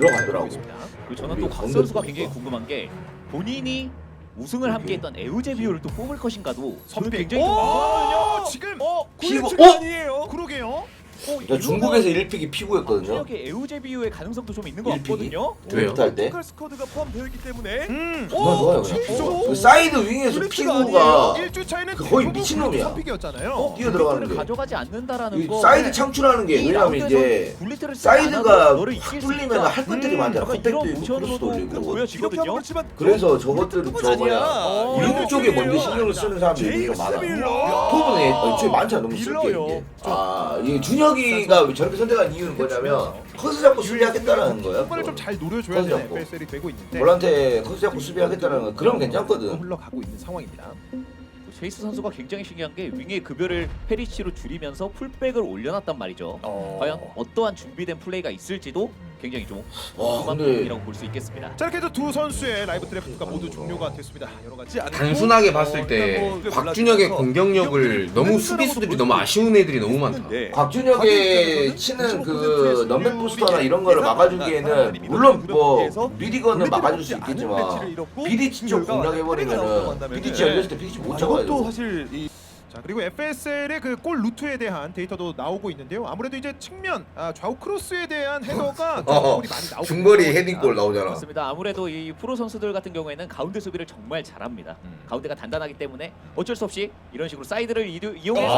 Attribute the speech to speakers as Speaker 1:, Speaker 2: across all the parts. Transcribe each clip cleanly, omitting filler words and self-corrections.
Speaker 1: 들어가더라고.
Speaker 2: 그리고 저는 또 곽 선수가 굉장히 궁금한 게 본인이 우승을 함께했던 에우제비오를 또 뽑을 것인가도 저는 굉장히 좀 궁금하거든요.
Speaker 3: 지금
Speaker 1: 피고
Speaker 3: 아니에요. 그러게요.
Speaker 1: 나 중국에서 1픽이 피고였거든요.
Speaker 2: 지역의 에우제비오의 가능성도 좀 있는 것
Speaker 1: 일픽이?
Speaker 2: 같거든요.
Speaker 4: 왜요?
Speaker 1: 할 때.
Speaker 3: 포칼 스쿼드가 포함되어 있기 때문에
Speaker 1: 정말 좋아요. 그냥.
Speaker 3: 진짜?
Speaker 1: 그 사이드 윙에서 피고가
Speaker 3: 1주 차이는
Speaker 1: 그 거의 미친놈이야.
Speaker 3: 선픽이었잖아요.
Speaker 1: 뛰어 들어가는 게.
Speaker 2: 가져가지 않는다라는
Speaker 1: 이
Speaker 2: 거.
Speaker 1: 사이드 창출하는 게 왜냐면 이제 사이드가 확 뚫리면 할 것들이 많잖아. 컷백도
Speaker 2: 이런
Speaker 1: 있고 크로스도
Speaker 2: 모션으로도
Speaker 1: 올리고.
Speaker 2: 보여지거든요.
Speaker 1: 그래서 저것들은 저 뭐야 윙 쪽에 먼저 신경을 쓰는 사람들이 되게 많아. 톱은 애초에 많잖아. 너무 쓸 게 이게. 이 준혁이가 저렇게 선택한 이유는 뭐냐면 커스 잡고 수비하겠다라는 거야.
Speaker 3: 정말 좀 잘 노려줘야 되는
Speaker 1: 잡고.
Speaker 3: FSL이 되고 있는데
Speaker 1: 볼한테 커스 잡고 수비하겠다라는 거 그럼 괜찮거든.
Speaker 3: 흘러가고 있는 상황입니다.
Speaker 2: 제이스 선수가 굉장히 신기한 게 윙의 급여를 페리시로 줄이면서 풀백을 올려놨단 말이죠. 과연 어떠한 준비된 플레이가 있을지도 굉장히 좀
Speaker 1: 와,
Speaker 2: 궁금한
Speaker 1: 근데-
Speaker 2: 부분이라고 볼 수 있겠습니다.
Speaker 3: 자 이렇게 해서 두 선수의 라이브 드래프트가 모두 종료가 됐습니다. 여러 가지
Speaker 4: 단순하게 봤을 때 곽준혁의 공격력을 너무 수비수들이 너무 아쉬운 애들이 너무 많다.
Speaker 1: 곽준혁의 치는 그 넘백 부스터나 이런 거를 막아주기에는 물론 뭐 미디건은 막아줄 수 있겠지만 비디치 쪽 공략해버리면은 비디치 열렸을 때 비디치 못 잡아야
Speaker 3: 또
Speaker 1: 돼.
Speaker 3: 사실 자 그리고 FSL의 그 골 루트에 대한 데이터도 나오고 있는데요. 아무래도 이제 측면 좌우 크로스에 대한 헤더가 골이 많이 나오고
Speaker 1: 중거리
Speaker 3: 있습니다.
Speaker 1: 헤딩골 나오잖아.
Speaker 2: 그렇습니다. 아무래도 이 프로 선수들 같은 경우에는 가운데 수비를 정말 잘합니다. 가운데가 단단하기 때문에 어쩔 수 없이 이런 식으로 사이드를 이용해서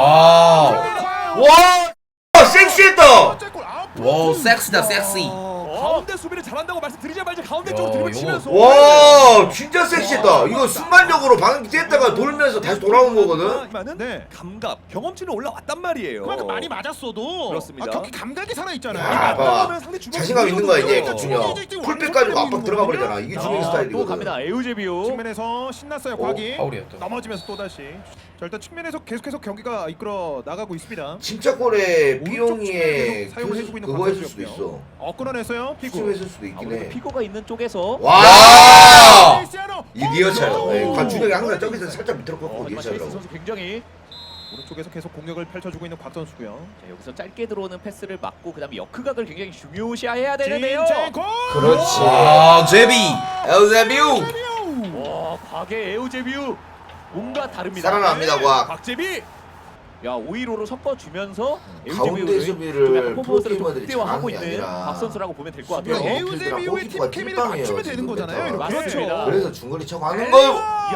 Speaker 1: 와 섹시했다.
Speaker 3: 번째 골,
Speaker 4: 와우 섹시다 섹시.
Speaker 3: 가운데 수비를 잘한다고 말씀드리자마자 가운데
Speaker 4: 야,
Speaker 3: 쪽으로
Speaker 4: 이거-
Speaker 3: 들이치면서
Speaker 1: 와 진짜 섹시했다. 이거 순간적으로 방금 뛰었다가 돌면서 다시 돌아온 거거든.
Speaker 3: 네.
Speaker 5: 감각, 경험치는 올라왔단 말이에요.
Speaker 3: 그만큼 많이 맞았어도
Speaker 5: 그렇습니다.
Speaker 3: 경기 감각이 살아 있잖아요.
Speaker 1: 야, 봐봐.
Speaker 5: 상대 주먹
Speaker 1: 자신감 있는 거야 이제
Speaker 5: 어.
Speaker 1: 곽준혁. 풀백 가지고 압박 들어가 버리잖아. 이게 준혁
Speaker 2: 또
Speaker 1: 스타일이거든.
Speaker 2: 갑니다. 에우제비오.
Speaker 3: 측면에서 신났어요. 곽이
Speaker 4: 파울이었다.
Speaker 3: 넘어지면서 또 다시. 자 일단 측면에서 계속해서 경기가 이끌어 나가고 있습니다.
Speaker 1: 진짜 골에
Speaker 3: 오른쪽
Speaker 1: 삐용이의
Speaker 3: 측면에 계속 사용해주고 있는
Speaker 1: 그거 했을 수도
Speaker 3: 광선수였고요.
Speaker 1: 있어.
Speaker 3: 끊어냈어요. 피구.
Speaker 1: 수했을 수도 있긴
Speaker 2: 아무래도
Speaker 1: 해.
Speaker 2: 피고가 있는 쪽에서
Speaker 1: 와!
Speaker 3: 크리스티아노!
Speaker 1: 이 리어 차요.
Speaker 3: 오!
Speaker 1: 곽준혁이 항상 저기서 살짝 밑으로 꺾고
Speaker 2: 하지만 제이스
Speaker 1: 괜찮더라고.
Speaker 2: 선수 굉장히
Speaker 3: 오른쪽에서 계속 공격을 펼쳐주고 있는 곽 선수고요.
Speaker 2: 자, 여기서 짧게 들어오는 패스를 막고 그다음에 역크각을 굉장히 중요시해야 되는데요.
Speaker 3: 진첸코!
Speaker 1: 그렇지.
Speaker 4: 아 제비.
Speaker 1: 엘제비우
Speaker 2: 와, 곽의 에우제비오 뭔가 다릅니다.
Speaker 1: 살아납니다 곽.
Speaker 5: 박재비
Speaker 2: 야, 5-1-5로 섞어주면서
Speaker 1: 가운데 수비를
Speaker 2: 퍼포먼스를 좀
Speaker 1: 프로게이머들이
Speaker 2: 극대화하고
Speaker 1: 잘하는 게
Speaker 2: 있는
Speaker 1: 아니라
Speaker 2: 박 선수라고 보면 될 것
Speaker 1: 수비가
Speaker 2: 같아요.
Speaker 1: 너무
Speaker 3: 에우제비오의
Speaker 1: 골키퍼가
Speaker 3: 팀 케미를
Speaker 1: 찐빵이에요,
Speaker 3: 맞추면 되는
Speaker 1: 지금
Speaker 3: 거잖아요.
Speaker 1: 메타.
Speaker 3: 이렇게.
Speaker 2: 맞습니다.
Speaker 1: 그래서 중거리 차고 하는 거요.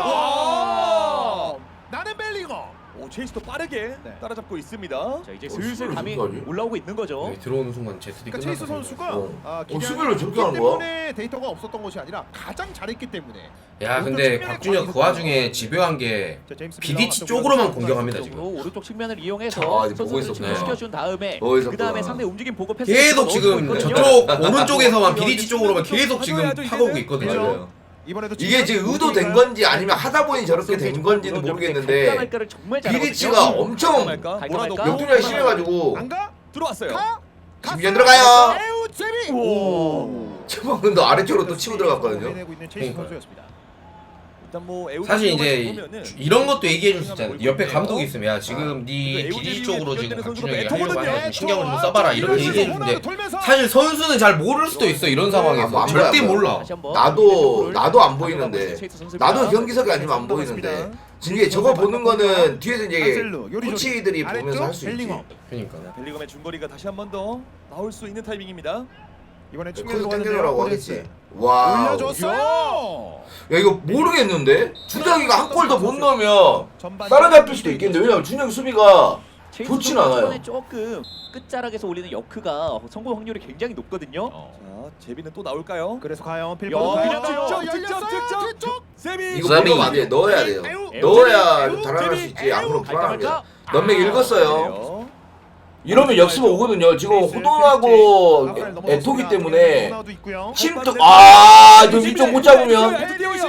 Speaker 2: 야!
Speaker 3: 나는 벨링엄.
Speaker 5: 오 체이스도 빠르게
Speaker 3: 네.
Speaker 5: 따라잡고 있습니다.
Speaker 2: 자, 이제 슬슬
Speaker 1: 수비를
Speaker 2: 감이
Speaker 1: 저렇게 하지?
Speaker 2: 올라오고 있는 거죠.
Speaker 4: 네, 들어오는 순간 제트디
Speaker 3: 그러니까 체이스 선수가
Speaker 1: 수비를 저렇게 하는 거야?
Speaker 3: 때문에 데이터가 없었던 것이 아니라 가장 잘했기 때문에.
Speaker 4: 야 근데 곽준혁 그 와중에 집요한 게
Speaker 3: 자, 제임스
Speaker 4: 비디치
Speaker 3: 밀러가
Speaker 4: 쪽으로만
Speaker 3: 또
Speaker 4: 공격합니다
Speaker 2: 쪽으로
Speaker 4: 지금.
Speaker 2: 오른쪽 측면을 이용해서
Speaker 1: 아, 이제 보고
Speaker 2: 선수들을
Speaker 1: 있었네.
Speaker 2: 진행시켜준 다음에
Speaker 1: 보고 있었구나.
Speaker 2: 그 다음에 상대 움직임 보고 패스
Speaker 4: 계속 지금 저쪽 오른쪽에서만 비디치 쪽으로만 계속 지금 파고오고 있거든요.
Speaker 1: 맞아요.
Speaker 3: 이번에도
Speaker 1: 이게 지금 의도된 건지 아니면 하다 보니 저렇게 된 건지는 모르겠는데 비디치가 엄청 역동량이 심해가지고
Speaker 3: 안 가?
Speaker 5: 들어왔어요.
Speaker 1: 김현 들어가요.
Speaker 3: 에우 제비.
Speaker 1: 최범근 도 아래쪽으로 또 치고 들어갔거든요.
Speaker 3: 내고 있는 체이스
Speaker 4: 그러니까요.
Speaker 3: 선수였습니다.
Speaker 5: 일단 뭐 에우
Speaker 4: 사실 이제
Speaker 5: 보면은
Speaker 4: 이런 것도 얘기해 줄 수 있잖아요. 옆에 감독이 있으면 야 지금 네 비디치 쪽으로 지금 곽준혁이 하려고 하니까 좀 신경을 좀 써봐라 이렇게 얘기해 주는데 사실 선수는 잘 모를 수도 있어 이런 상황에서
Speaker 1: 아,
Speaker 4: 절대
Speaker 1: 몰라요.
Speaker 4: 몰라.
Speaker 1: 나도 안 보이는데 나도 경기석이 아니면 안 보이는데 지금 이게 저거 보는 거는 뒤에서 이제 코치들이 보면서 할 수 있지.
Speaker 4: 그러니까.
Speaker 5: 벨링엄의 중거리가 다시 한 번 더 나올 수 있는 타이밍입니다.
Speaker 3: 이번에 측면으로
Speaker 1: 커서
Speaker 3: 가는데요.
Speaker 1: 땡겨라고
Speaker 3: 코데스.
Speaker 1: 하겠지. 와.
Speaker 3: 올려줬어요.
Speaker 1: 야 이거 모르겠는데 준혁이가 한 골 더 못 넣으면
Speaker 3: 전반
Speaker 1: 따라잡힐 수도 있겠는데 왜냐면 준혁이 수비가 좋진 않아요.
Speaker 2: 초반에 조금 끝자락에서 올리는 역크가 성공 확률이 굉장히 높거든요.
Speaker 5: 자 제비는 또 나올까요?
Speaker 3: 그래서 과연
Speaker 2: 야,
Speaker 3: 필버로
Speaker 2: 그냥
Speaker 5: 직접 세비
Speaker 1: 이거 못 넣으면 안 돼. 넣어야 돼요. 넣어야 좀 달아날 수 있지. 안 그러면 불안합니다. 넘맥 읽었어요. 이러면 역습 오거든요. 지금 호동하고 에토기 때문에 침도 좀 이쪽 못 잡으면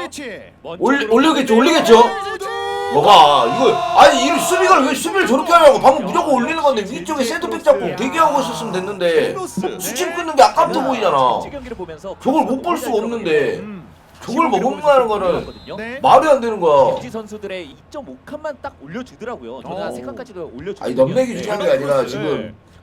Speaker 1: 올리겠죠. 뭐가 이거 아니 이 수비가 왜 수비를 저렇게 하냐고. 방금 무조건 올리는 건데 위쪽에 센터백 잡고 대기하고 있었으면 됐는데 수침 끊는 게 아깝다 보이잖아. 저걸 못 볼 수가 없는데 저걸 못 먹는다는 거는 말이 안 되는 거야.
Speaker 2: MG 선수들의 2.5칸만 딱 올려주더라고요. 저는 한 3칸까지도 올려주거든요.
Speaker 1: 아니 넘맥이 중요한 게 아니라 지금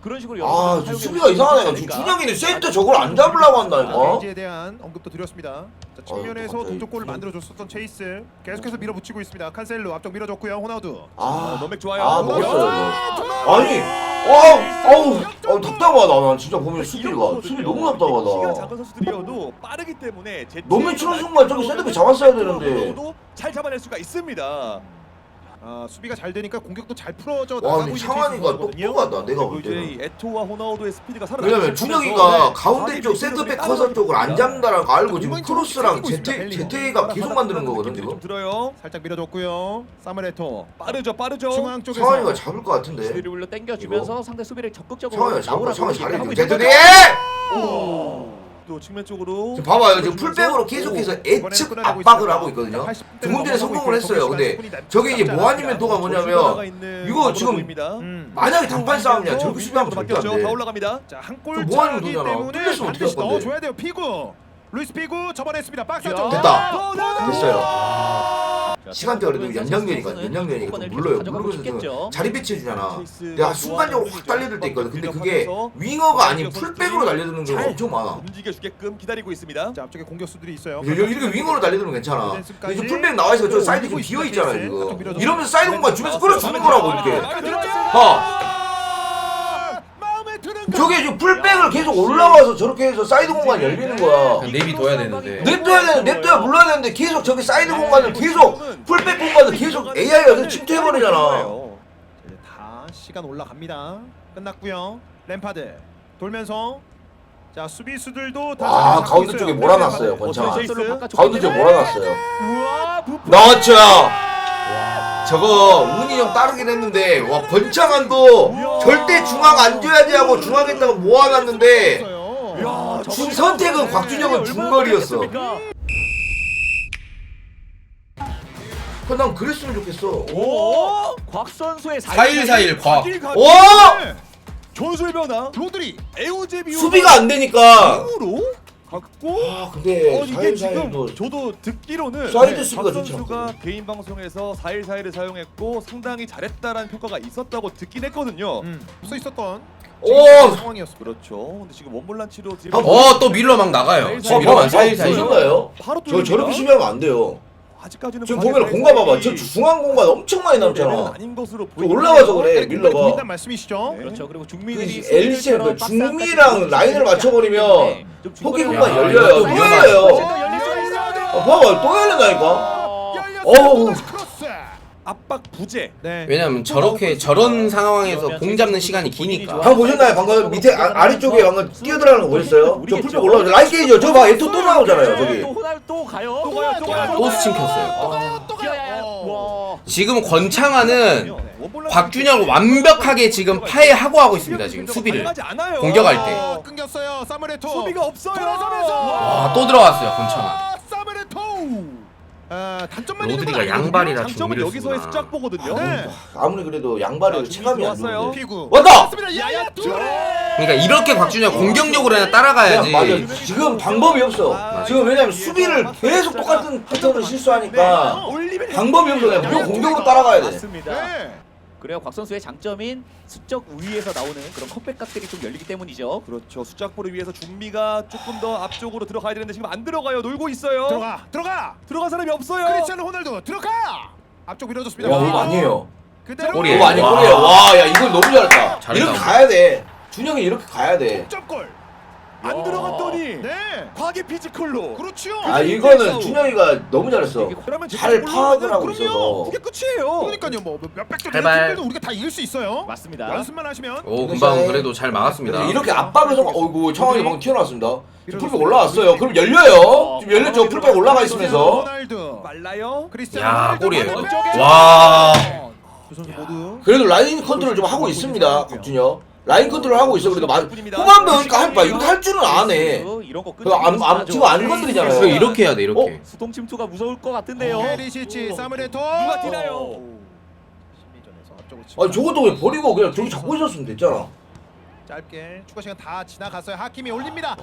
Speaker 2: 그런 식으로
Speaker 1: 아,
Speaker 2: 여러분들
Speaker 1: 좀
Speaker 2: 사용해
Speaker 1: 수비가
Speaker 2: 보시면
Speaker 1: 이상하네.
Speaker 2: 되지
Speaker 1: 지금
Speaker 2: 않을까?
Speaker 1: 준영이는 센터 저걸 안 잡으려고 한다니까.
Speaker 3: 레이지에 대한 언급도 드렸습니다. 자, 측면에서
Speaker 1: 갑자기
Speaker 3: 동쪽골을 만들어줬었던 체이스 계속해서 밀어붙이고 있습니다. 칸셀로 앞쪽 밀어줬고요. 호나우두.
Speaker 1: 아,
Speaker 5: 너맥 좋아요.
Speaker 1: 아, 먹었어요. 이거. 아니, 아우, 답답하다. 난 진짜 보면 수비 너무
Speaker 5: 키가
Speaker 1: 답답하다.
Speaker 5: 작은 선수들이어도 빠르기 때문에
Speaker 1: 너무 치는 순간 저기 셋업이 잡았어야 되는데.
Speaker 5: 잘 잡아낼 수가 있습니다.
Speaker 3: 수비가 잘 되니까 공격도 잘 풀어져
Speaker 1: 와,
Speaker 3: 나가고
Speaker 1: 근데
Speaker 3: 있는
Speaker 1: 창환이가
Speaker 3: 선수거든요.
Speaker 1: 똑똑하다. 내가
Speaker 5: 그리고
Speaker 1: 볼
Speaker 5: 이제
Speaker 1: 때는.
Speaker 5: 이 에토와 호나우도의 스피드가 살아나기
Speaker 1: 왜냐면 준영이가 가운데 쪽 센터백 커서 쪽을 안 잡는다는 거 알고 지금 크로스랑 제테이가 계속 만드는 거거든
Speaker 5: 좀
Speaker 1: 지금.
Speaker 5: 들어요.
Speaker 3: 살짝 밀어줬고요. 사무레토
Speaker 5: 빠르죠.
Speaker 3: 중앙 쪽에서
Speaker 1: 상환이가 잡을 것 같은데.
Speaker 2: 수비를 올려 당겨주면서 상대 수비를 적극적으로
Speaker 1: 상환이가 잡고
Speaker 2: 나오라고
Speaker 1: 상환이
Speaker 2: 얘기를 하고
Speaker 1: 잘해.
Speaker 2: 있는
Speaker 1: 제테이!
Speaker 2: 거죠.
Speaker 5: 또 측면 쪽으로
Speaker 1: 지금 봐봐요. 지금 풀백으로 계속해서 예측 압박을 하고 있거든요. 조금 전에 성공을 했어요. 근데 저게 이제 모아니멘토가 뭐냐면 이거 지금 만약에 단판 싸움이야. 저렇게 수비하면 절대 안
Speaker 5: 다
Speaker 1: 돼.
Speaker 5: 올라갑니다.
Speaker 3: 자한골
Speaker 1: 뭐 하는
Speaker 3: 차기
Speaker 1: 거잖아.
Speaker 3: 때문에
Speaker 1: 뚫렸으면 어떻게 할
Speaker 3: 반드시
Speaker 1: 건데.
Speaker 3: 넣어줘야 돼요. 피구 루이스 피구 접어냈습니다. 박스 쪽
Speaker 1: 됐다. 됐어요.
Speaker 2: 자,
Speaker 1: 시간대 그래도
Speaker 2: 선수는
Speaker 1: 연장전이니까
Speaker 2: 선수는
Speaker 1: 연장전이니까
Speaker 2: 주도권을
Speaker 1: 또 물러요.
Speaker 2: 계속 가져가고
Speaker 1: 물러면서
Speaker 2: 싶겠죠.
Speaker 1: 자리 배치해주잖아. 내가 순간적으로 확 달려들 때 있거든. 근데 그게 윙어가 아닌 풀백으로 달려드는 경우가 엄청 많아.
Speaker 5: 움직여주게끔 기다리고 있습니다.
Speaker 3: 자 앞쪽에 공격수들이 있어요.
Speaker 1: 이렇게 윙어로 달려들면 괜찮아. 근데 지금 풀백 나와 있으니까 저 사이드 지금 비어 있잖아 지금. 이러면서 사이드 공간 주면서 끌어주는 거라고 이렇게. 봐.
Speaker 3: 마음에 드는
Speaker 1: 저게 지금 풀백을 계속 올라와서 저렇게 해서 사이드 공간 열리는 거야.
Speaker 4: 내비둬야 되는데.
Speaker 1: 냅둬야 물러야 되는데 계속 저기 사이드 공간을 계속 풀백 공간을 계속 AI가 침투해버리잖아.
Speaker 3: 이제 다 시간 올라갑니다. 끝났고요. 램파드 돌면서 자 수비수들도 다
Speaker 1: 아
Speaker 3: 자리 잡고
Speaker 1: 가운데
Speaker 3: 있어요.
Speaker 1: 쪽에 몰아놨어요
Speaker 3: 램파드.
Speaker 1: 권창아. 가운데 쪽에 몰아놨어요.
Speaker 2: 우와, 부풀.
Speaker 1: 나왔죠. 저거 운이 형 따르긴 했는데 와 권창환도 절대 중앙 안 줘야지 하고 중앙에다가 모아놨는데
Speaker 3: 있어요.
Speaker 1: 준 선택은 곽준혁은 중거리였어. 난 그랬으면 좋겠어.
Speaker 2: 오, 곽 선수의
Speaker 4: 4-1-4-1 곽.
Speaker 1: 오!
Speaker 5: 전술 변화.
Speaker 3: 로드리
Speaker 5: 에우제비
Speaker 1: 수비가 안 되니까.
Speaker 5: 으로 갖고
Speaker 1: 아 근데
Speaker 5: 이게 지금
Speaker 1: 사이드
Speaker 5: 저도 듣기로는
Speaker 1: 사이드 수비가
Speaker 5: 박
Speaker 1: 좋지
Speaker 5: 선수가
Speaker 1: 않거든.
Speaker 5: 개인 방송에서 4-1-4-1을 사용했고 상당히 잘했다라는 평가가 있었다고 듣긴 했거든요.
Speaker 3: 써 있었던
Speaker 1: 오!
Speaker 3: 상황이었습니다.
Speaker 5: 그렇죠. 근데 지금 원몰란치로
Speaker 4: 또 밀러 막 나가요. 지금 이러면 사이사이.
Speaker 1: 보셨나요?
Speaker 5: 바로
Speaker 1: 저 저렇게 수비하면 안 돼요.
Speaker 5: 아직까지는
Speaker 1: 지금 보면 공간 봐봐. 저 중앙 공간 엄청 많이 남잖아.
Speaker 5: 아닌 것으로
Speaker 1: 저 올라와서 그래
Speaker 3: 공간이
Speaker 1: 밀러가.
Speaker 3: 보인다는 말씀이시죠?
Speaker 5: 네.
Speaker 2: 그렇죠. 그리고 중미들이
Speaker 1: 엘리시 그 중미랑 라인을 맞춰버리면 포기 공간
Speaker 4: 야,
Speaker 1: 열려요.
Speaker 4: 이거
Speaker 1: 또 열려요.
Speaker 2: 열릴 수가 있어요.
Speaker 1: 봐봐 또 열린다니까.
Speaker 3: 열렸어요.
Speaker 1: 어우.
Speaker 3: 크로스.
Speaker 5: 압박 부재.
Speaker 3: 네.
Speaker 4: 왜냐면 저런 상황에서 공 잡는 시간이 기니까.
Speaker 1: 방금 보셨나요? 방금 밑에 아래쪽에 방금 뛰어들어가는 거 보셨어요? 저 풀백 올라오죠. 라인 게이죠. 저 봐. 에토 또 나오잖아요. 저기.
Speaker 2: 또 호날 또 가요.
Speaker 4: 또 스팀 켰어요.
Speaker 2: 와.
Speaker 4: 지금 권창환은 곽준혁을 완벽하게 지금 파해하고 있습니다. 지금 수비를. 공격할 때.
Speaker 3: 끊겼어요. 사무레토.
Speaker 5: 수비가 없어요.
Speaker 3: 돌아서면서.
Speaker 4: 와, 또 들어갔어요, 권창환.
Speaker 3: 사무레토. 단점만 있는
Speaker 4: 로드리가
Speaker 3: 건 아니거든요.
Speaker 4: 양발이라
Speaker 5: 장점은
Speaker 4: 중미를
Speaker 5: 여기서의
Speaker 4: 쓰구나.
Speaker 5: 숫자 보거든요.
Speaker 3: 네.
Speaker 1: 아무리 그래도 양발이 체감이 안
Speaker 5: 좋았어요.
Speaker 1: 좋은데.
Speaker 3: 피구.
Speaker 1: 왔다!
Speaker 3: 맞습니다. 야야 투레.
Speaker 4: 그러니까 이렇게 곽준혁 공격력으로 그냥 따라가야지.
Speaker 1: 맞아. 지금 방법이 없어. 지금 왜냐면 수비를 계속 똑같은 패턴을 실수하니까
Speaker 5: 올리면
Speaker 1: 방법이 없어. 그냥 무조건 공격으로 따라가야 돼.
Speaker 2: 맞습니다.
Speaker 3: 네.
Speaker 2: 그래요. 곽 선수의 장점인 수적 우위에서 나오는 그런 컵백각들이 좀 열리기 때문이죠.
Speaker 5: 그렇죠. 숫자포를 위해서 준비가 조금 더 앞쪽으로 들어가야 되는데 지금 안 들어가요. 놀고 있어요.
Speaker 3: 들어가.
Speaker 5: 들어간 사람이 없어요.
Speaker 3: 크리스티아노 호날두 들어가. 앞쪽 밀어줬습니다.
Speaker 1: 와, 그거 아니에요.
Speaker 3: 그대로
Speaker 4: 골이에요.
Speaker 1: 그거 아니
Speaker 4: 와.
Speaker 1: 골이에요. 와, 야 이걸 너무 잘했다.
Speaker 4: 잘했다.
Speaker 1: 이렇게 가야 돼. 준영이 이렇게 가야 돼.
Speaker 3: 점골.
Speaker 5: 안 들어갔더니
Speaker 3: 네.
Speaker 5: 과계 피지컬로.
Speaker 3: 그렇죠.
Speaker 1: 아 이거는 준영이가 너무 잘했어.
Speaker 5: 그러면
Speaker 1: 잘 파악을 하고 있어서.
Speaker 5: 그게 끝이에요.
Speaker 3: 그러니까요. 뭐 몇백 점
Speaker 4: 제발.
Speaker 3: 팀들도 우리가 다 이길 수 있어요.
Speaker 2: 맞습니다.
Speaker 3: 연습만 하시면.
Speaker 4: 오, 금방 그래도 잘 막았습니다.
Speaker 1: 이렇게 압박을 성 어이구 청원이 방금 튀어나왔습니다. 풀백 올라왔어요. 그럼 열려요. 지금 열렸죠. 풀백 올라가 있으면서.
Speaker 3: 호날두.
Speaker 5: 말라요.
Speaker 3: 크리스티아노
Speaker 4: 야,
Speaker 3: 호날두
Speaker 4: 골이에요.
Speaker 3: 반대쪽에.
Speaker 4: 와.
Speaker 3: 두 선수 모두.
Speaker 1: 그래도 라인 컨트롤 좀 하고 있습니다. 박준혁. 라인 컨트롤 하고 있어. 그래도 후반부 그러니까 할 거야. 이렇게 할 줄은 안 해.
Speaker 2: 이런 거
Speaker 1: 지금 안 건드리잖아요.
Speaker 4: 그래, 이렇게 해야 돼, 이렇게.
Speaker 2: 수동 침투가 무서울 것 같은데요.
Speaker 3: 페리시치 사무레토.
Speaker 5: 누가 뛰나요?
Speaker 3: 심리전에서 앞쪽으로
Speaker 1: 아니 저것도 왜 버리고 그냥 저기 잡고 있었으면 됐잖아.
Speaker 3: 짧게 추가 시간 다 지나갔어요. 하킴이 올립니다.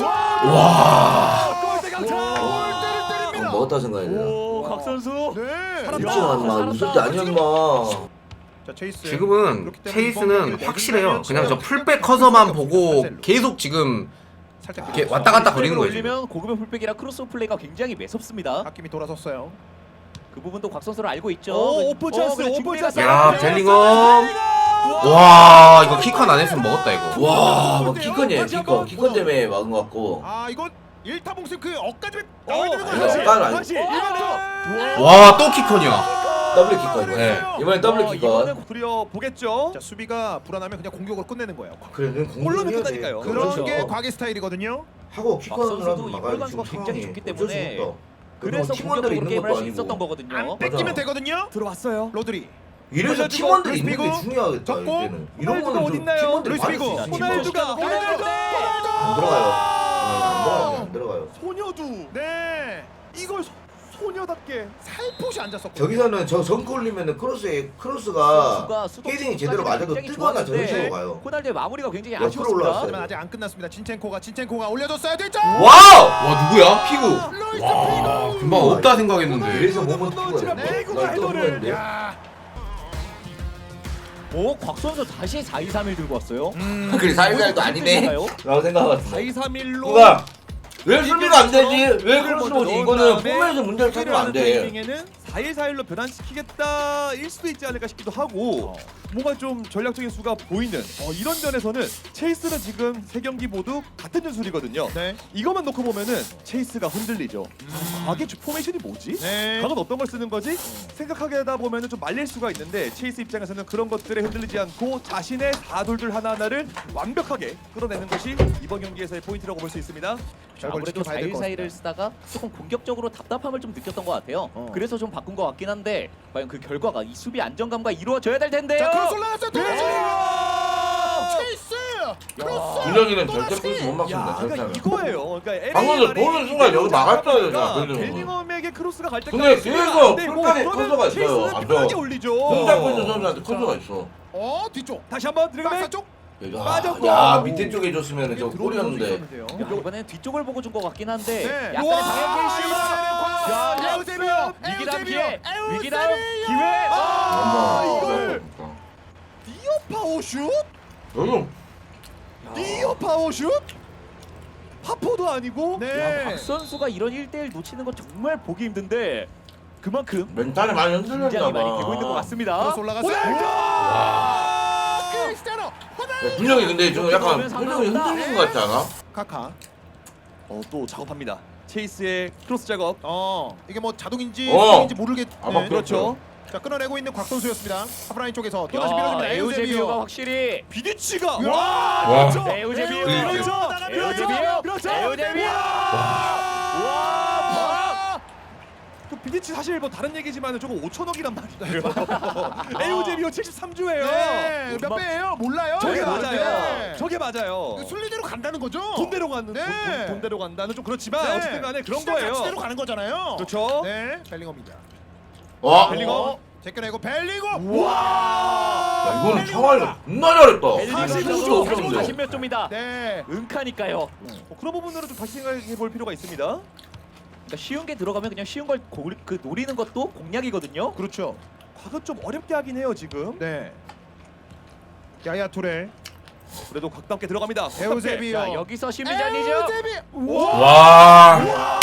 Speaker 4: 와.
Speaker 5: 골대 강타.
Speaker 3: 골대를 때립니다.
Speaker 1: 먹었다 생각해야 되나?
Speaker 2: 오, 곽 선수.
Speaker 3: 네.
Speaker 1: 웃지 마, 인마. 웃을 때 아니야, 인마.
Speaker 3: 자 체이스.
Speaker 4: 지금은
Speaker 3: 그렇기 때문에 이번
Speaker 4: 체이스는
Speaker 3: 경기를
Speaker 4: 확실해요.
Speaker 3: 내준다면
Speaker 4: 그냥 저
Speaker 3: 지금
Speaker 4: 풀백 커서만 보고
Speaker 3: 칸셀로.
Speaker 4: 계속 지금
Speaker 3: 살짝
Speaker 4: 이렇게 왔다 갔다 거리는 거예요. 지금.
Speaker 2: 올리면 고급의 풀백이라 크로스 플레이가 굉장히 매섭습니다.
Speaker 3: 아낌이 돌아섰어요.
Speaker 2: 그 부분도 곽 선수를 알고 있죠.
Speaker 5: 오, 오픈 찬스,
Speaker 2: 근데
Speaker 5: 오픈
Speaker 2: 준비가
Speaker 5: 찬스.
Speaker 4: 야
Speaker 2: 잘
Speaker 4: 벨링엄. 와 이거 키컨 안 했으면 먹었다 이거.
Speaker 1: 와, 뭐 키컨이에요, 키컨 때문에 막은 것 같고.
Speaker 3: 아 이건 1타 봉쇄 그 억까지
Speaker 5: 어,
Speaker 3: 나와야 되는
Speaker 1: 아니,
Speaker 3: 거죠.
Speaker 1: 억까는 아니고.
Speaker 5: 다시 1번
Speaker 4: 와 또 키컨이야.
Speaker 1: 더블 키컨 이번에.
Speaker 4: 네.
Speaker 1: 이번엔 더블 키컨.
Speaker 5: 이번엔 부려 보겠죠.
Speaker 3: 자 수비가 불안하면 그냥 공격으로 끝내는 거예요.
Speaker 1: 그래, 그냥
Speaker 5: 골로는
Speaker 1: 공격해야 돼.
Speaker 5: 끝나니까요.
Speaker 3: 그런
Speaker 2: 그렇죠.
Speaker 3: 게 과기 스타일이거든요.
Speaker 1: 하고
Speaker 2: 곽
Speaker 1: 키컨을
Speaker 2: 선수도
Speaker 1: 하면
Speaker 2: 이
Speaker 1: 막아야지.
Speaker 2: 골간수가
Speaker 1: 지금
Speaker 2: 굉장히
Speaker 1: 상황이.
Speaker 2: 좋기
Speaker 1: 어쩔 수
Speaker 2: 때문에
Speaker 1: 없다.
Speaker 2: 그래서
Speaker 1: 팀원들이
Speaker 2: 공격적으로
Speaker 1: 있는
Speaker 2: 게임을
Speaker 1: 것도
Speaker 2: 할 수 있었던
Speaker 1: 아니고.
Speaker 2: 거거든요.
Speaker 3: 안 뺏기면 되거든요.
Speaker 5: 들어왔어요.
Speaker 3: 로드리.
Speaker 1: 이래서
Speaker 5: 올려주고,
Speaker 1: 팀원들이 있는 게
Speaker 3: 루이스 피고,
Speaker 1: 중요하겠다.
Speaker 3: 접고,
Speaker 1: 이제는. 이런
Speaker 5: 호날두가
Speaker 1: 거는 좀
Speaker 5: 어딨나요?
Speaker 1: 팀원들이
Speaker 3: 루이스
Speaker 1: 많을 수
Speaker 3: 피고,
Speaker 1: 있지.
Speaker 5: 호날두가
Speaker 1: 안 들어가요. 안 들어가요.
Speaker 5: 소녀두.
Speaker 3: 네.
Speaker 5: 이걸 소녀답게.
Speaker 3: 살포시 앉았었고.
Speaker 1: 저기서는 저 정크 올리면은 크로스가 헤딩이 제대로 맞아도 뜨거나 저런 식으로 가요.
Speaker 2: 호날두의 마무리가 굉장히
Speaker 1: 옆으로
Speaker 2: 아쉬웠습니다.
Speaker 1: 올라왔어요.
Speaker 3: 하지만 아직 안 끝났습니다. 진첸코가 올려줬어야 되죠.
Speaker 1: 와우!
Speaker 4: 와 누구야? 피구.
Speaker 3: 루이스
Speaker 4: 와
Speaker 3: 피고.
Speaker 4: 금방 없다 생각했는데.
Speaker 1: 그래서 몸은
Speaker 5: 넣었지만
Speaker 1: 피고야.
Speaker 5: 피고가 헤더를.
Speaker 3: 야.
Speaker 2: 오, 곽 선수 다시 4-2-3-1 들고 왔어요.
Speaker 1: 그래 사이사이도 아니네. 라고 생각하거든.
Speaker 5: 4-2-3-1로
Speaker 1: 누가 왜 수비가 안 되지? 왜 크로스 오지? 이거는 폼에서 문제를 찾으면 안 돼.
Speaker 5: 타이밍에는 4-1-4-1로 변환시키겠다 일 수도 있지 않을까 싶기도 하고 뭔가 좀 전략적인 수가 보이는 이런 면에서는 체이스는 지금 세 경기 모두 같은 전술이거든요.
Speaker 3: 네.
Speaker 5: 이것만 놓고 보면은 체이스가 흔들리죠. 과게 포메이션이 뭐지?
Speaker 3: 네.
Speaker 5: 과연 어떤 걸 쓰는 거지? 생각하게 하다 보면은 좀 말릴 수가 있는데 체이스 입장에서는 그런 것들에 흔들리지 않고 자신의 4돌들 하나하나를 완벽하게 끌어내는 것이 이번 경기에서의 포인트라고 볼 수 있습니다.
Speaker 2: 아무래도 4-1-4-1을 쓰다가 조금 공격적으로 답답함을 좀 느꼈던 것 같아요. 그래서 좀 바꾼 것 같긴 한데 과연 그 결과가 이 수비 안정감과 이루어져야 될 텐데요.
Speaker 3: 자 크로스 올라갔어요. 체이스. 크로스.
Speaker 1: 준영이는 절대 크로스 못 막습니다.
Speaker 5: 야,
Speaker 1: 절대.
Speaker 5: 그러니까 이거예요. 그러니까
Speaker 1: 방금 전 보는 순간 여기 막았어야 되잖아,
Speaker 5: 그러니까
Speaker 1: 벨링엄은.
Speaker 5: 벨링엄에게 크로스가 갈 때까지
Speaker 1: 근데
Speaker 5: 수비가
Speaker 1: 계속
Speaker 5: 안 되고
Speaker 1: 풀백에
Speaker 5: 그러면
Speaker 1: 커서가 있어요.
Speaker 5: 체이스는
Speaker 1: 앞서.
Speaker 5: 편하게 올리죠.
Speaker 1: 공 잡고 있는 선수한테 커서가 있어.
Speaker 3: 뒤쪽.
Speaker 5: 다시 한번
Speaker 3: 박사
Speaker 5: 드래그백.
Speaker 3: 쪽.
Speaker 5: 빠졌고.
Speaker 1: 야 밑에 쪽에 줬으면 저 골이었는데.
Speaker 2: 야, 이번엔 뒤쪽을 보고 준 것 같긴 한데
Speaker 3: 네.
Speaker 2: 약간의 방향 실수.
Speaker 3: 에우제비오.
Speaker 2: 위기담 기회. 위기담 기회.
Speaker 5: 이걸 니어 파워슛?
Speaker 1: 여기
Speaker 5: 니어 파워슛? 파포도 아니고
Speaker 3: 네.
Speaker 2: 박 선수가 이런 1대1 놓치는 건 정말 보기 힘든데 그만큼
Speaker 1: 멘탈이 많이 흔들렸나
Speaker 2: 긴장이 많이 되고
Speaker 1: 봐.
Speaker 2: 있는 것 같습니다.
Speaker 3: 크로스 올라갔어요. 크리스티아노.
Speaker 1: 준영이 근데 좀 약간
Speaker 2: 이렇게
Speaker 1: 표정이
Speaker 2: 보면
Speaker 1: 흔들리는 것 같지 않아?
Speaker 3: 카카.
Speaker 5: 또 작업합니다. 체이스의 크로스 작업.
Speaker 3: 이게 뭐 자동인지
Speaker 1: 어.
Speaker 3: 수동인지 모르겠는.
Speaker 1: 아마
Speaker 5: 그렇죠.
Speaker 3: 자 끊어내고 있는 곽 선수였습니다. 하프라인 쪽에서 또 다시
Speaker 2: 야,
Speaker 3: 밀어줍니다.
Speaker 2: 에우제비오가
Speaker 3: 에우제비오.
Speaker 2: 확실히
Speaker 5: 비디치가
Speaker 3: 와.
Speaker 4: 와.
Speaker 5: 그렇죠.
Speaker 2: 에우제비오
Speaker 5: 그렇죠.
Speaker 2: 에우제비오
Speaker 5: 그렇죠.
Speaker 2: 에우제비오 와
Speaker 5: 그 비디치 사실 뭐 다른 얘기지만 저거 5천억이란 말이에요. 에우제비오 73주예요.
Speaker 3: 네. 몇 배예요? 몰라요.
Speaker 5: 저게
Speaker 3: 네.
Speaker 5: 맞아요.
Speaker 3: 네.
Speaker 5: 저게 맞아요.
Speaker 3: 순리대로 간다는 거죠.
Speaker 5: 돈대로 가는
Speaker 3: 네.
Speaker 5: 돈대로 간다는 좀 그렇지만
Speaker 3: 네.
Speaker 5: 어쨌든 간에 그런
Speaker 3: 시장
Speaker 5: 거예요.
Speaker 3: 가치대로 가는 거잖아요.
Speaker 5: 그렇죠.
Speaker 3: 네. 벨링엄입니다.
Speaker 1: 와.
Speaker 5: 벨링엄.
Speaker 3: 제껴내고 벨링엄.
Speaker 1: 야, 이거는 평화를 존나 잘했다.
Speaker 2: 벨링엄
Speaker 1: 선수
Speaker 2: 선수
Speaker 1: 없었는데.
Speaker 2: 40몇 조입니다.
Speaker 3: 네.
Speaker 2: 은카니까요.
Speaker 5: 그런 부분으로 좀 다시 생각해 볼 필요가 있습니다.
Speaker 2: 그러니까 쉬운 게 들어가면 그냥 쉬운 걸 노리는 것도 공략이거든요.
Speaker 3: 그렇죠.
Speaker 5: 과거 좀 어렵게 하긴 해요 지금.
Speaker 3: 네. 야야 투레.
Speaker 5: 그래도 각답게 들어갑니다.
Speaker 3: 에우제비오.
Speaker 2: 자 여기서 심리전이죠.
Speaker 3: 에우제비오.
Speaker 4: 와.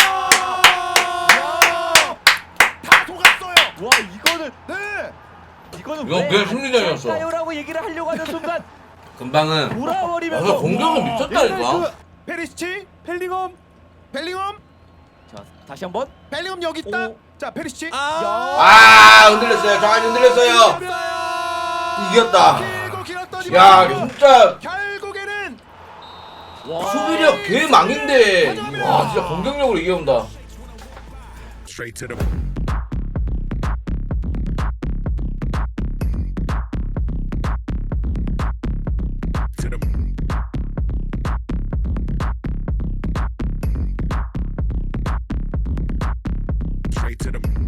Speaker 3: 다 속았어요.
Speaker 2: 와 이거는
Speaker 3: 네.
Speaker 2: 이거는
Speaker 1: 이건 그냥 심리전이었어.
Speaker 2: 라고 얘기를 하려고 하는 순간
Speaker 4: 금방은
Speaker 1: 야,
Speaker 2: 돌아버리면서
Speaker 1: 공격은 미쳤다니까.
Speaker 3: 페리시치.
Speaker 5: 펠링엄.
Speaker 3: 벨링엄.
Speaker 2: 자 다시 한번
Speaker 3: 벨링엄 여기 있다.
Speaker 2: 오.
Speaker 3: 자 페리시치.
Speaker 1: 아 흔들렸어요. 정한이 흔들렸어요. 이겼다.
Speaker 3: 길고 길었더니
Speaker 1: 야 진짜
Speaker 3: 결국에는
Speaker 1: 수비력 개망인데 와 진짜 공격력으로 이겨온다.
Speaker 6: Straight to the straight to the